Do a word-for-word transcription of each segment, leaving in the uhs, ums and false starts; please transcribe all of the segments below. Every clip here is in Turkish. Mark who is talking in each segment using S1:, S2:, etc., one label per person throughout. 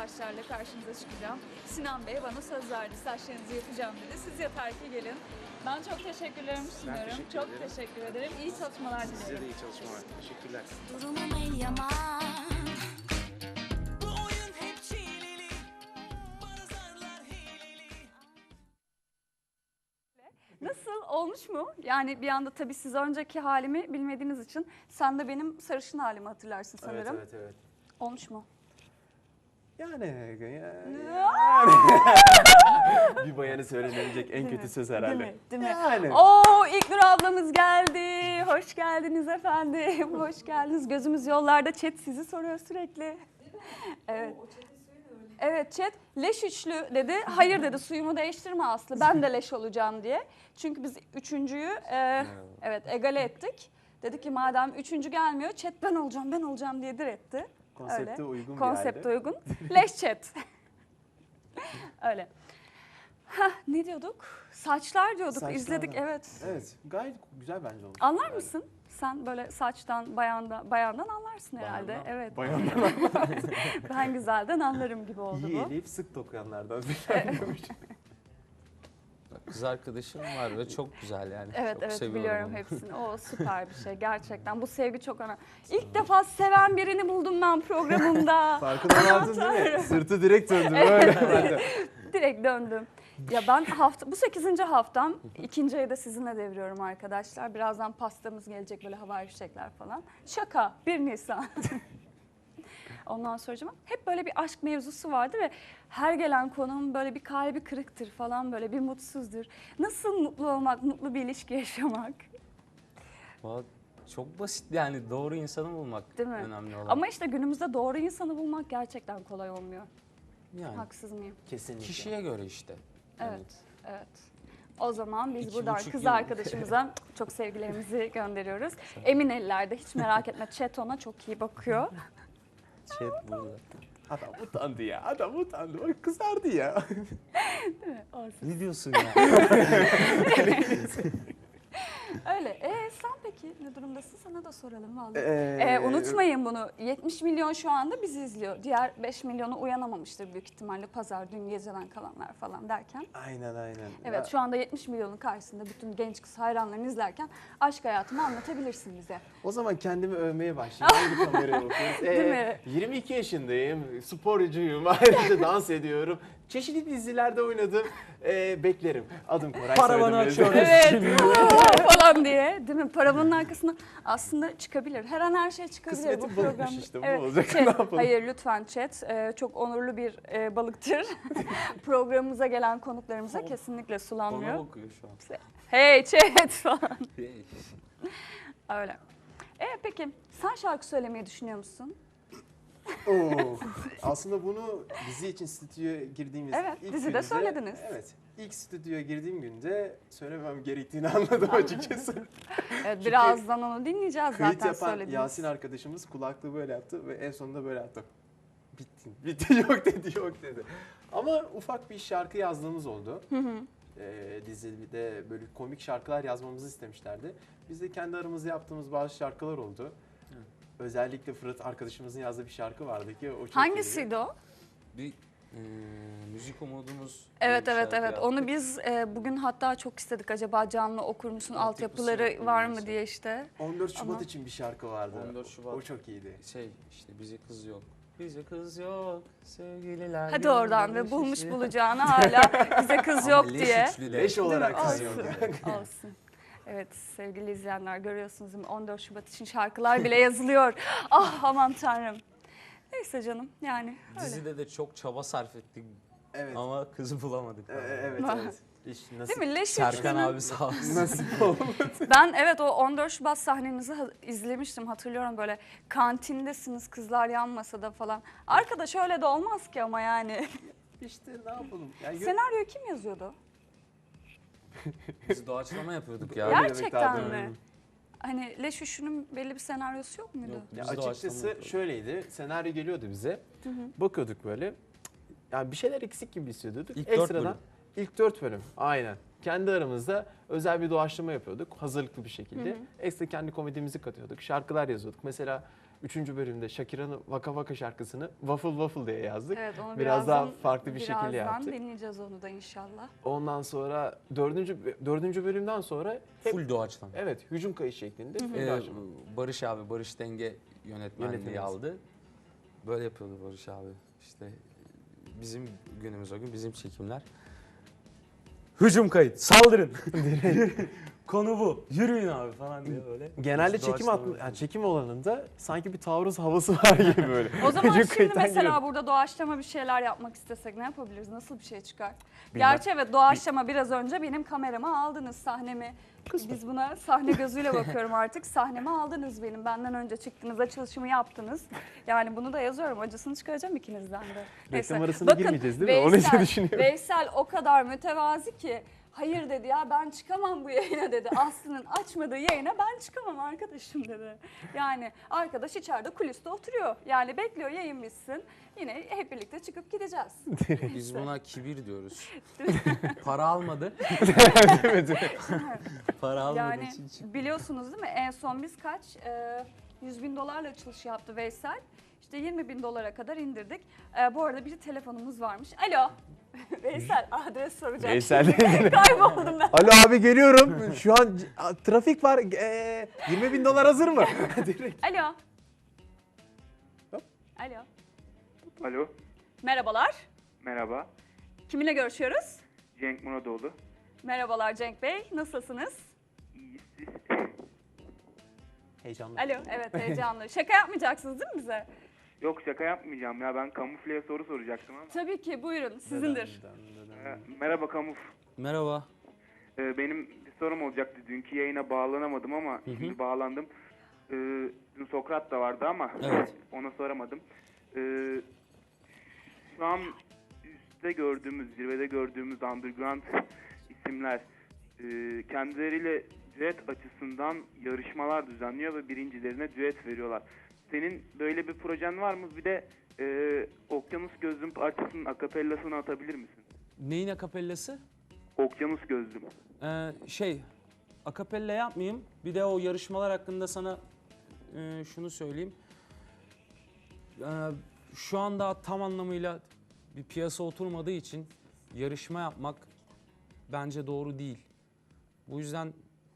S1: saçlarla karşınıza çıkacağım. Sinan Bey bana söz verdi, saçlarınızı yapacağım dedi. Siz yeter ki gelin. Ben çok teşekkürlerimi sunuyorum.
S2: teşekkür
S1: Çok
S2: ederim.
S1: teşekkür ederim. İyi çalışmalar dilerim.
S2: Size de iyi çalışmalar. Teşekkürler.
S3: Durumum el yaman.
S4: Bu oyun hep çileli, bana zarlar hileli.
S1: Nasıl? Olmuş mu? Yani bir anda tabii siz önceki halimi bilmediğiniz için sen de benim sarışın halimi hatırlarsın sanırım.
S2: Evet, evet, evet.
S1: Olmuş mu?
S2: Yani, yani bir bayanı söylenebilecek en kötü söz herhalde.
S1: Değil mi? Değil mi?
S2: Yani.
S1: Oo, İlknur ablamız geldi. Hoş geldiniz efendim. Hoş geldiniz. Gözümüz yollarda. Chat sizi soruyor sürekli. Evet. Evet chat leş üçlü dedi. Hayır dedi, suyumu değiştirme Aslı. Ben de leş olacağım diye. Çünkü biz üçüncüyü e, evet egale ettik. Dedi ki madem üçüncü gelmiyor, chat ben olacağım ben olacağım diye diretti.
S2: Konsepte
S1: Öyle.
S2: uygun bir
S1: Konsepte
S2: halde.
S1: uygun. Leş chat. Öyle. Hah, ne diyorduk? Saçlar diyorduk.
S2: Saçlar
S1: İzledik
S2: da.
S1: evet.
S2: Evet, gayet güzel bence olmuş.
S1: Anlar
S2: Yani.
S1: mısın? Sen böyle saçtan, bayanda, bayandan anlarsın herhalde.
S2: Bayandan-
S1: Evet.
S2: Bayandan
S1: Ben güzelden anlarım gibi oldu
S2: iyi
S1: bu.
S2: eleyip sık dokuyanlardan.
S5: Kız arkadaşım var ve çok güzel yani.
S1: Evet
S5: çok
S1: evet
S5: seviyorum
S1: biliyorum
S5: onu.
S1: hepsini. O süper bir şey gerçekten. Bu sevgi çok önemli. İlk defa seven birini buldum ben programımda.
S2: Farkına vardın değil mi? Sırtı direkt döndü böyle. Ben de.
S1: Direkt döndüm. Ya ben hafta bu sekizinci haftam. İkinci ayı da sizinle deviriyorum arkadaşlar. Birazdan pastamız gelecek, böyle havai fişekler falan. Şaka. bir Nisan. Ondan sonra hep böyle bir aşk mevzusu vardı ve her gelen konuğum böyle bir kalbi kırıktır falan, böyle bir mutsuzdur. Nasıl mutlu olmak, mutlu bir ilişki yaşamak?
S5: Vallahi çok basit yani, doğru insanı bulmak
S1: Değil mi?
S5: önemli olan.
S1: Ama işte günümüzde doğru insanı bulmak gerçekten kolay olmuyor.
S5: yani
S1: Haksız mıyım?
S2: Kesinlikle.
S5: kişiye göre işte.
S1: Evet, evet. O zaman biz
S5: İki
S1: buradan
S5: buçuk
S1: kız
S5: yıl.
S1: arkadaşımıza çok sevgilerimizi gönderiyoruz. Emin ellerde, hiç merak etme. Chat ona çok iyi bakıyor.
S5: Chat burada.
S2: Adam utandı ya. Adam utandı. Bak kızardı ya.
S1: Olsun.
S5: Ne diyorsun ya?
S1: Öyle. E sen peki ne durumdasın? Sana da soralım vallahi.
S2: Ee,
S1: Ee, unutmayın bunu. yetmiş milyon şu anda bizi izliyor. Diğer beş milyonu uyanamamıştır büyük ihtimalle, pazar, dün geceden kalanlar falan derken.
S2: Aynen aynen.
S1: Evet
S2: Ya,
S1: şu anda yetmiş milyonun karşısında bütün genç kız hayranlarını izlerken aşk hayatımı anlatabilirsin bize.
S2: O zaman kendimi övmeye başlayayım. Hangi kameraya bakıyoruz? Ee,
S1: Değil mi?
S2: yirmi iki yaşındayım. Sporcuyum. Ayrıca dans ediyorum. Çeşitli dizilerde oynadım. Ee, beklerim. Adım Koray.
S5: Paravanı
S2: soyadım
S5: açıyoruz.
S2: Özden.
S1: Evet aa, falan diye değil mi? Paravanın arkasına aslında çıkabilir. Her an her şey çıkabilir
S2: Kısmeti
S1: bu
S2: balıkmış
S1: program.
S2: işte, bu olacak.
S1: Chat,
S2: Ne yapalım?
S1: hayır lütfen chat. Ee, çok onurlu bir e, balıktır. Programımıza gelen konuklarımıza kesinlikle
S5: Bana
S1: sulanmıyor.
S5: bakıyor şu an.
S1: Hey chat falan. Öyle. E peki sen şarkı söylemeyi düşünüyor musun?
S2: Oo. Aslında bunu dizi için stüdyoya girdiğimiz
S1: Evet,
S2: ilk
S1: dizide
S2: günde,
S1: söylediniz.
S2: Evet. İlk stüdyoya girdiğim günde söylemem gerektiğini anladım açıkçası.
S1: Evet, birazdan onu dinleyeceğiz
S2: Kayıt
S1: zaten
S2: yapan
S1: söylediniz.
S2: Yasin arkadaşımız kulaklığı böyle yaptı ve en sonunda böyle yaptı. Bitti. Bitti yok dedi yok dedi. Ama ufak bir şarkı yazdığımız oldu.
S1: Hı hı.
S2: Ee, dizide böyle komik şarkılar yazmamızı istemişlerdi. Biz de kendi aramızda yaptığımız bazı şarkılar oldu. Özellikle Fırat arkadaşımızın yazdığı bir şarkı vardı ki o çok iyiydi.
S1: Hangisiydi o?
S5: Bir e, müzik umudumuz.
S1: Evet
S5: diye bir
S1: evet
S5: şarkı
S1: evet.
S5: yaptık.
S1: Onu biz e, bugün hatta çok istedik, acaba canlı okur musun,
S5: Altyapısı
S1: altyapıları
S5: yok,
S1: var mı
S5: bilmiyorum.
S1: diye işte.
S2: on dört Şubat
S1: Ama-
S2: için bir şarkı vardı.
S5: on dört Şubat.
S2: O çok iyiydi.
S5: Şey işte, bize kız yok. Bize kız yok sevgililer.
S1: Hadi oradan
S5: gönlümde
S1: ve bulmuş
S5: şişi.
S1: bulacağını hala bize kız
S5: Ama
S1: yok
S5: leş
S1: diye.
S5: üçlü de.
S2: Leş olarak
S1: Olsun.
S2: kız yok.
S1: Olsun. Evet sevgili izleyenler, görüyorsunuz değil mi? on dört Şubat için şarkılar bile yazılıyor. Ah aman tanrım. Neyse canım yani öyle.
S5: Dizide de çok çaba sarf ettik
S2: Evet.
S5: ama kız bulamadık.
S2: Ee, evet evet. İş
S1: Değil
S2: nasip,
S1: mi? Leş
S5: Serkan
S1: üçlünün-
S5: abi sağ olsun.
S2: nasip oldu.
S1: Ben evet o on dört Şubat sahnenizi ha- izlemiştim, hatırlıyorum, böyle kantindesiniz kızlar yan masada falan. Arkadaş öyle de olmaz ki ama yani.
S2: İşte ne yapalım. Yani gö-
S1: Senaryoyu kim yazıyordu?
S5: Biz doğaçlama yapıyorduk ya.
S2: Öyle demek
S1: Gerçekten
S2: lazım.
S1: mi? Hani Leş Üşü'nün belli bir senaryosu yok muydu?
S5: Yok.
S2: Ya
S5: Biz
S2: açıkçası
S5: doğaçlama yapıyorduk.
S2: şöyleydi. Senaryo geliyordu bize.
S1: Hı hı.
S2: Bakıyorduk böyle. Yani bir şeyler eksik gibi hissediyorduk.
S5: İlk dört
S2: Ekstradan
S5: bölüm.
S2: ilk dört bölüm. Aynen. Kendi aramızda özel bir doğaçlama yapıyorduk. Hazırlıklı bir şekilde.
S1: Hı hı.
S2: Ekstra kendi komedimizi katıyorduk. Şarkılar yazıyorduk. Mesela üçüncü bölümde Shakira'nın Vaka Vaka şarkısını Waffle Waffle diye yazdık.
S1: Evet, onu
S2: Biraz daha
S1: birazdan-
S2: farklı bir şekilde
S1: birazdan
S2: yaptık.
S1: dinleyeceğiz onu da inşallah.
S2: Ondan sonra dördüncü, dördüncü bölümden sonra hep,
S5: Full doğaçlama.
S2: evet, hücum kayıt şeklinde. full
S5: Ee,
S2: doğaçlama.
S5: Barış abi, Barış Denge yönetmenliği
S2: Yönetmeniz.
S5: aldı. Böyle yapıyordu Barış abi. İşte bizim günümüz o gün, bizim çekimler. Hücum kayıt, saldırın. Konu bu. Yürüyün abi falan diye böyle.
S2: Genelde
S5: Hiç
S2: çekim
S5: doğaçlama
S2: atlı,
S5: yok.
S2: yani çekim alanında sanki bir taarruz havası var gibi böyle.
S1: O zaman
S2: Hücum
S1: şimdi
S2: kayıttan
S1: mesela
S2: giriyor.
S1: burada doğaçlama bir şeyler yapmak istesek ne yapabiliriz? Nasıl bir şey çıkar?
S2: Bilmem.
S1: Gerçi evet, doğaçlama biraz önce benim kamerama aldınız, sahnemi. Biz buna sahne gözüyle bakıyorum artık. Sahnemi aldınız benim. Benden önce çıktınız, açılışımı yaptınız. Yani bunu da yazıyorum. Acısını çıkaracağım ikinizden de.
S2: Reklam arasına girmeyeceğiz değil mi? Onu
S1: Veysel,
S2: için düşünüyorum.
S1: Veysel o kadar mütevazi ki hayır dedi ya, ben çıkamam bu yayına dedi. Aslı'nın açmadığı yayına ben çıkamam arkadaşım dedi. Yani arkadaş içeride kuliste oturuyor. Yani bekliyor yayın bitsin. Yine hep birlikte çıkıp gideceğiz.
S5: Biz buna kibir diyoruz. Para almadı. Para almadığı
S1: Yani
S5: için çıktı.
S1: biliyorsunuz değil mi? En son biz kaç? Ee, yüz bin dolarla açılış yaptı Veysel. İşte yirmi bin dolara kadar indirdik. Ee, bu arada bir telefonumuz varmış. Alo. Veysel adres soracağım.
S2: Veysel.
S1: Kayboldum ben.
S2: Alo abi, geliyorum. Şu an c- a, trafik var. Ee, yirmi bin dolar hazır mı? Direkt.
S1: Alo.
S2: Hop.
S1: Alo.
S6: Alo,
S1: Merhabalar.
S6: merhaba.
S1: Kiminle görüşüyoruz?
S6: Cenk Muradoğlu.
S1: Merhabalar Cenk Bey. Nasılsınız?
S6: İyi, siz?
S2: Heyecanlı.
S1: Alo. Evet, heyecanlı. Şaka yapmayacaksınız değil mi bize?
S6: Yok, şaka yapmayacağım ya, ben kamufleye soru soracaktım ama.
S1: Tabii ki, buyurun. Sizindir.
S6: Ee, merhaba Kamuf.
S5: Merhaba.
S6: Ee, benim bir sorum olacaktı. Dünkü yayına bağlanamadım ama şimdi bağlandım. Ee, dün Sokrat da vardı ama
S5: Evet.
S6: ona soramadım. Ee, şu an üstte gördüğümüz, zirvede gördüğümüz underground isimler e, kendileriyle düet açısından yarışmalar düzenliyor ve birincilerine düet veriyorlar. Senin böyle bir projen var mı? Bir de e, Okyanus Gözlüm parçasının akapellasını atabilir misin?
S5: Neyin akapellası?
S6: Okyanus Gözlüm.
S5: Ee, şey, akapella yapmayayım. Bir de o yarışmalar hakkında sana e, şunu söyleyeyim. Ee, şu anda tam anlamıyla bir piyasa oturmadığı için yarışma yapmak bence doğru değil. Bu yüzden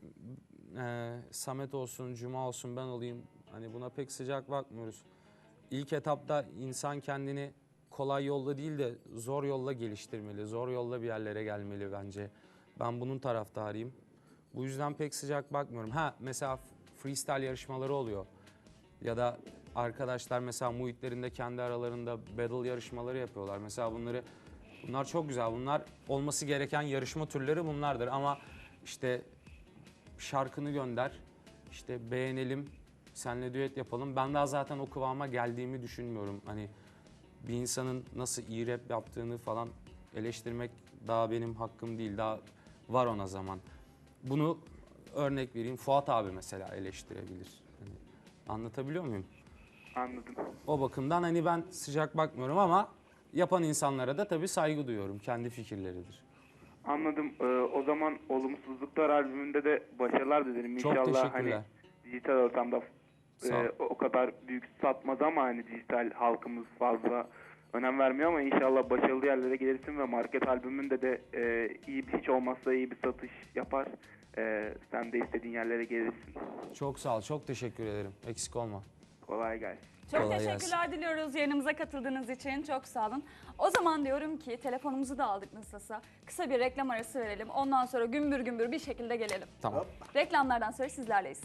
S5: e, Samet olsun, Cuma olsun, ben olayım. Hani buna pek sıcak bakmıyoruz. İlk etapta insan kendini kolay yolla değil de zor yolla geliştirmeli. Zor yolla bir yerlere gelmeli bence. Ben bunun taraftarıyım. Bu yüzden pek sıcak bakmıyorum. Ha mesela freestyle yarışmaları oluyor. Ya da arkadaşlar mesela muhitlerinde kendi aralarında battle yarışmaları yapıyorlar. Mesela bunları bunlar çok güzel. Bunlar olması gereken yarışma türleri bunlardır. Ama işte şarkını gönder, işte beğenelim, seninle düet yapalım. Ben daha zaten o kıvama geldiğimi düşünmüyorum. Hani bir insanın nasıl iyi rap yaptığını falan eleştirmek daha benim hakkım değil. Daha var ona zaman. Bunu örnek vereyim. Fuat abi mesela eleştirebilir. Hani anlatabiliyor muyum?
S6: Anladım.
S5: O bakımdan hani ben sıcak bakmıyorum ama yapan insanlara da tabii saygı duyuyorum. Kendi fikirleridir.
S6: Anladım. Ee, o zaman Olumsuzluklar albümünde de başarılar dilerim.
S5: Çok
S6: İnşallah
S5: teşekkürler.
S6: hani dijital ortamda
S5: Sağ
S6: e,
S5: ol.
S6: o kadar büyük satmaz ama hani dijital halkımız fazla önem vermiyor ama inşallah başarılı yerlere gelirsin ve market albümünde de e, iyi bir, hiç olmazsa iyi bir satış yapar. E, sen de istediğin yerlere gelirsin.
S5: Çok sağ ol. Çok teşekkür ederim. Eksik olma.
S6: Kolay gelsin.
S1: Çok
S5: Kolay
S1: teşekkürler diliyoruz yayınımıza katıldığınız için. Çok sağ olun. O zaman diyorum ki telefonumuzu da aldık nasılsa. Kısa bir reklam arası verelim. Ondan sonra gümbür gümbür bir şekilde gelelim.
S5: Tamam.
S1: Reklamlardan sonra sizlerleyiz.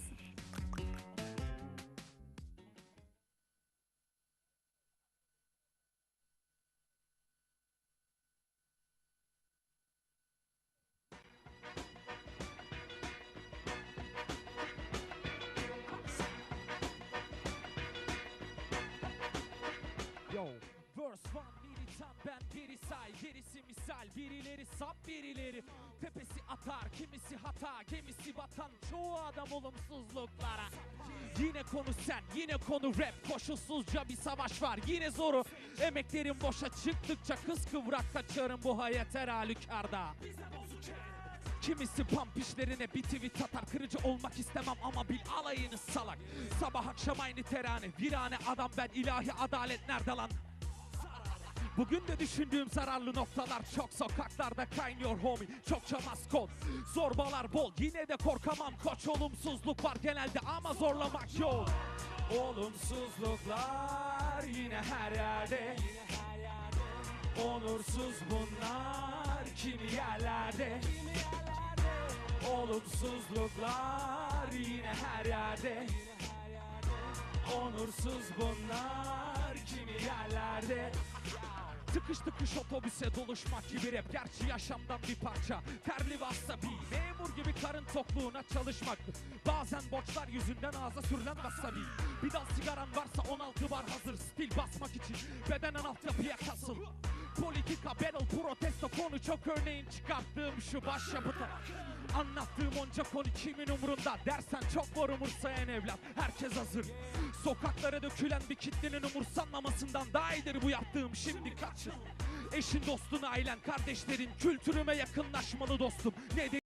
S4: Yo, verse one militan ben biri say gerisi misal birileri sap birileri tepesi atar kimisi hata gemisi batan çoğu adam olumsuzluklara. Yine konu sen yine konu rap koşulsuzca bir savaş var yine zoru emeklerim boşa çıktıkça kız kıvrak kaçarım bu hayat her halükarda. Kimisi pump işlerine bir tweet atar. Kırıcı olmak istemem ama bil alayını salak. Sabah akşam aynı terane, virane adam ben, ilahi adalet nerede lan? Bugün de düşündüğüm zararlı noktalar çok, sokaklarda kaynıyor homie, çokça maskot. Zorbalar bol, yine de korkamam koç. Olumsuzluk var genelde ama zorlamak yok. Olumsuzluklar yine her yerde. Onursuz bunlar kimi yerlerde. Olumsuzluklar yine her yerde. Onursuz bunlar kimi yerlerde. Tıkış tıkış otobüse doluşmak gibi rap, gerçi yaşamdan bir parça. Terli ve asabi, memur gibi karın tokluğuna çalışmak. Bazen borçlar yüzünden ağza sürülen wasabi. Bir dal sigaran varsa on altı bar hazır, stil basmak için bedenen altyapıya kasıl. Politika, battle, protesto, konu çok, örneğin çıkarttığım şu başyapıta. Anlattığım onca konu kimin umurunda dersen çok var umursayan evlat, herkes hazır. Sokaklara dökülen bir kitlenin umursanmamasından daha iyidir bu yaptığım, şimdi kaçın. Eşin, dostun, ailen, kardeşlerin kültürüme yakınlaşmalı dostum. Ne